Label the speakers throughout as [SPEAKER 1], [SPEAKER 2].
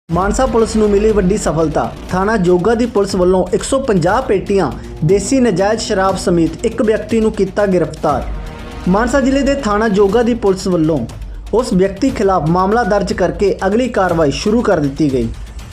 [SPEAKER 1] Mansa police ਨੂੰ ਮਿਲੀ ਵੱਡੀ ਸਫਲਤਾ। ਥਾਣਾ ਜੋਗਾ ਦੀ ਪੁਲਿਸ ਵੱਲੋਂ 150 ਪੇਟੀਆਂ ਦੇਸੀ ਨਜਾਇਜ਼ ਸ਼ਰਾਬ ਸਮੇਤ ਇੱਕ ਵਿਅਕਤੀ ਨੂੰ ਕੀਤਾ ਗ੍ਰਿਫਤਾਰ। ਮਾਨਸਾ ਜ਼ਿਲ੍ਹੇ ਦੇ ਥਾਣਾ ਜੋਗਾ ਦੀ ਪੁਲਿਸ ਵੱਲੋਂ ਉਸ ਵਿਅਕਤੀ ਖਿਲਾਫ ਮਾਮਲਾ ਦਰਜ ਕਰਕੇ ਅਗਲੀ ਕਾਰਵਾਈ ਸ਼ੁਰੂ ਕਰ ਦਿੱਤੀ ਗਈ।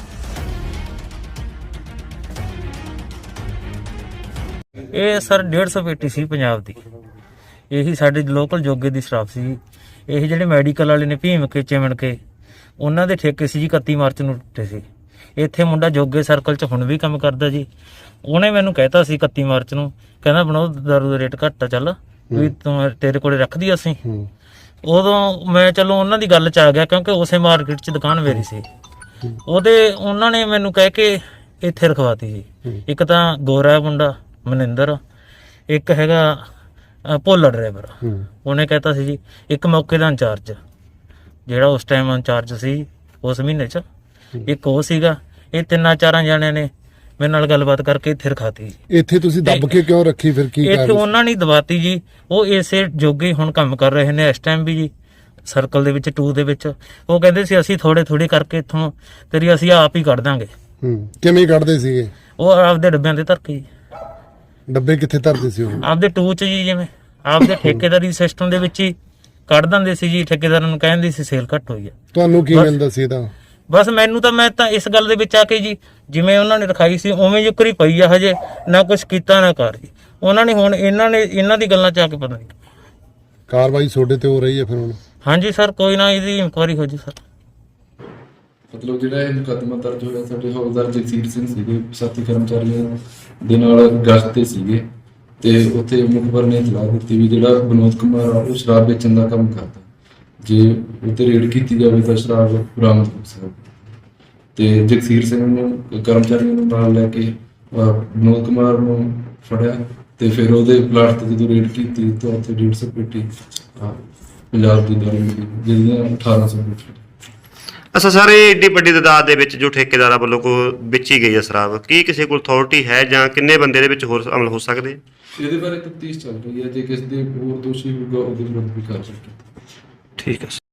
[SPEAKER 2] ਇਹ ਸਰ 150 ਪੇਟੀ ਸੀ ਪੰਜਾਬ ਦੀ। ਇਹੀ ਸਾਡੇ ਲੋਕਲ ਜੋਗੇ ਦੀ ਸ਼ਰਾਬ ਸੀ। ਇਹ ਜਿਹੜੇ ਮੈਡੀਕਲ ਵਾਲੇ ਨੇ ਭੀਮ ਕੇ ਚਿਮਣ ਕੇ ਉਹਨਾਂ ਦੇ ਠੇਕੇ ਸੀ ਜੀ। 31 ਮਾਰਚ ਨੂੰ ਟੁੱਟੇ ਸੀ। ਇੱਥੇ ਮੁੰਡਾ ਜੋਗੇ ਸਰਕਲ 'ਚ ਹੁਣ ਵੀ ਕੰਮ ਕਰਦਾ ਜੀ। ਉਹਨੇ ਮੈਨੂੰ ਕਹਿਤਾ ਸੀ 31 ਮਾਰਚ ਨੂੰ, ਕਹਿੰਦਾ ਬਣਾਓ ਦਾਰੂ ਦਾ ਰੇਟ ਘੱਟ ਆ, ਚੱਲ ਵੀ ਤੂੰ ਤੇਰੇ ਕੋਲੇ ਰੱਖਦੀ ਅਸੀਂ। ਉਦੋਂ ਮੈਂ ਚਲੋ ਉਹਨਾਂ ਦੀ ਗੱਲ 'ਚ ਆ ਗਿਆ, ਕਿਉਂਕਿ ਉਸੇ ਮਾਰਕੀਟ 'ਚ ਦੁਕਾਨ ਮੇਰੀ ਸੀ। ਉਹਨਾਂ ਨੇ ਮੈਨੂੰ ਕਹਿ ਕੇ ਇੱਥੇ ਰਖਵਾਤੀ ਜੀ। ਇੱਕ ਤਾਂ ਗੋਰਾ ਮੁੰਡਾ ਮਨਿੰਦਰ, ਇੱਕ ਹੈਗਾ ਭੋਲਾ ਡਰਾਈਵਰ। ਉਹਨੇ ਕਹਿਤਾ ਸੀ ਜੀ। ਇੱਕ ਮੌਕੇ ਦਾ ਇੰਚਾਰਜ ਜਿਹੜਾ ਉਸ ਟਾਈਮ ਇੰਚਾਰਜ ਸੀ ਉਸ ਮਹੀਨੇ 'ਚ, ਇੱਕ ਉਹ ਸੀਗਾ। ਇਹ ਤਿੰਨਾਂ ਚਾਰਾਂ ਜਣਿਆਂ ਨੇ ਮੇਰੇ ਨਾਲ ਗੱਲਬਾਤ ਕਰਕੇ ਇੱਥੇ ਰਖਾਤੀ।
[SPEAKER 3] ਇੱਥੇ ਤੁਸੀਂ ਦੱਬ ਕੇ ਕਿਉਂ ਰੱਖੀ ਫਿਰ? ਕੀ
[SPEAKER 2] ਇੱਥੇ ਉਹਨਾਂ ਨੇ ਦਵਾਤੀ ਜੀ। ਉਹ ਇਸੇ ਜੋਗੇ ਹੁਣ ਕੰਮ ਕਰ ਰਹੇ ਨੇ ਇਸ ਟਾਈਮ ਵੀ ਜੀ, ਸਰਕਲ ਦੇ ਵਿੱਚ 2 ਦੇ ਵਿੱਚ। ਉਹ ਕਹਿੰਦੇ ਸੀ ਅਸੀਂ ਥੋੜੇ ਕਰਕੇ ਇੱਥੋਂ ਤੇਰੀ ਅਸੀਂ ਆਪ ਹੀ ਕੱਢ ਦਾਂਗੇ।
[SPEAKER 3] ਕਿਵੇਂ ਕੱਢਦੇ ਸੀਗੇ?
[SPEAKER 2] ਉਹ ਆਪਦੇ ਡੱਬਿਆਂ ਦੇ ਧਰ ਕੇ।
[SPEAKER 3] ਡੱਬੇ ਕਿੱਥੇ ਧਰਦੇ ਸੀ ਉਹ? ਆਪਦੇ
[SPEAKER 2] 2 ਚ ਜੀ, ਜਿਵੇਂ ਆਪਦੇ ਠੇਕੇਦਾਰੀ ਸਿਸਟਮ ਦੇ ਵਿੱਚ ਹੀ ਕੱਢ ਦਿੰਦੇ ਸੀ ਜੀ। ਠੇਕੇਦਾਰਾਂ ਨੂੰ ਕਹਿੰਦੇ ਸੀ ਸੇਲ ਘੱਟ ਹੋਈ ਆ।
[SPEAKER 3] ਤੁਹਾਨੂੰ ਕੀ ਮਿਲਦਾ ਸੀ ਇਹਦਾ?
[SPEAKER 2] ਬਸ ਮੈਨੂੰ ਤਾਂ ਮੈਂ ਤਾਂ ਇਸ ਗੱਲ ਦੇ ਵਿੱਚ ਆ ਕੇ ਜੀ, ਜਿਵੇਂ ਉਹਨਾਂ ਨੇ ਰਖਾਈ ਸੀ ਉਵੇਂ ਜੁਕਰੀ ਪਈ ਆ। ਹਜੇ ਨਾ ਕੁਛ ਕੀਤਾ ਨਾ ਕਰ ਜੀ ਉਹਨਾਂ ਨੇ। ਹੁਣ ਇਹਨਾਂ ਦੀ ਗੱਲਾਂ 'ਚ ਆ ਕੇ ਪਤਾ ਨਹੀਂ
[SPEAKER 3] ਕਾਰਵਾਈ ਤੁਹਾਡੇ ਤੇ ਹੋ ਰਹੀ ਹੈ ਫਿਰ ਹੁਣ?
[SPEAKER 2] ਹਾਂਜੀ ਸਰ, ਕੋਈ ਨਾ ਇਹਦੀ ਇਨਕੁਆਇਰੀ ਹੋ ਜੀ ਸਰ।
[SPEAKER 4] ਮਤਲਬ ਜਿਹੜਾ ਇਹ ਮੁਕੱਦਮਾ ਦਰਜ ਹੋਇਆ, ਸਾਡੇ ਹੌਲਦਾਰ ਜਗਸੀਰ ਸਿੰਘ ਸੀਗੇ, ਸਾਥੀ ਕਰਮਚਾਰੀਆਂ ਦੇ ਨਾਲ ਗਸ਼ਤ ਤੇ ਸੀਗੇ, ਤੇ ਉੱਥੇ ਮੁਖਬਰ ਨੇ ਇਤਲਾਹ ਦਿੱਤੀ ਵੀ ਜਿਹੜਾ ਵਿਨੋਦ ਕੁਮਾਰ ਆ ਉਹ ਸ਼ਰਾਬ ਵੇਚਣ ਦਾ ਕੰਮ ਕਰਦਾ। ਜੇ ਉੱਤੇ ਰੇਡ ਕੀਤੀ ਜਾਵੇ ਤਾਂ ਸ਼ਰਾਬ ਬਰਾਮਦ ਹੋ ਸਕਦੀ। ਤੇ ਜਗਸੀਰ ਸਿੰਘ ਨੂੰ ਕਰਮਚਾਰੀਆਂ ਨੂੰ ਨਾਲ ਲੈ ਕੇ ਵਿਨੋਦ ਕੁਮਾਰ ਨੂੰ ਫੜਿਆ, ਤੇ ਫਿਰ ਉਹਦੇ ਪਲਾਟ ਤੇ ਜਦੋਂ ਰੇਡ ਕੀਤੀ ਤਾਂ ਉੱਥੇ 150 ਪੇਟੀ ਪੰਜਾਬ ਦੀ ਦਾਰੂ ਮਿਲੀ, ਜਿਹਦੀਆਂ 1800 ਪੇਟੀ।
[SPEAKER 5] ਅੱਛਾ ਸਰ, ਇਹ ਏਡੀ ਵੱਡੀ ਤਾਦਾਦ ਦੇ ਵਿੱਚ ਜੋ ਠੇਕੇਦਾਰਾਂ ਵੱਲੋਂ ਵੇਚੀ ਗਈ ਹੈ ਸ਼ਰਾਬ, ਕੀ ਕਿਸੇ ਕੋਲ ਅਥਾਰਟੀ ਹੈ ਜਾਂ ਕਿੰਨੇ ਬੰਦੇ ਦੇ ਵਿੱਚ ਹੋਰ ਅਮਲ ਹੋ ਸਕਦੇ?
[SPEAKER 4] ਇਹਦੇ ਬਾਰੇ ਤਫਤੀਸ਼ ਚੱਲ ਰਹੀ ਹੈ। ਜੇ ਕਿਸੇ ਦੇ ਹੋਰ ਦੋਸ਼ੀ ਹੋਊਗਾ ਉਹਦੇ ਵਿਰੁੱਧ ਵੀ ਕਾਰਵਾਈ ਕੀਤੀ।
[SPEAKER 5] ਠੀਕ ਹੈ।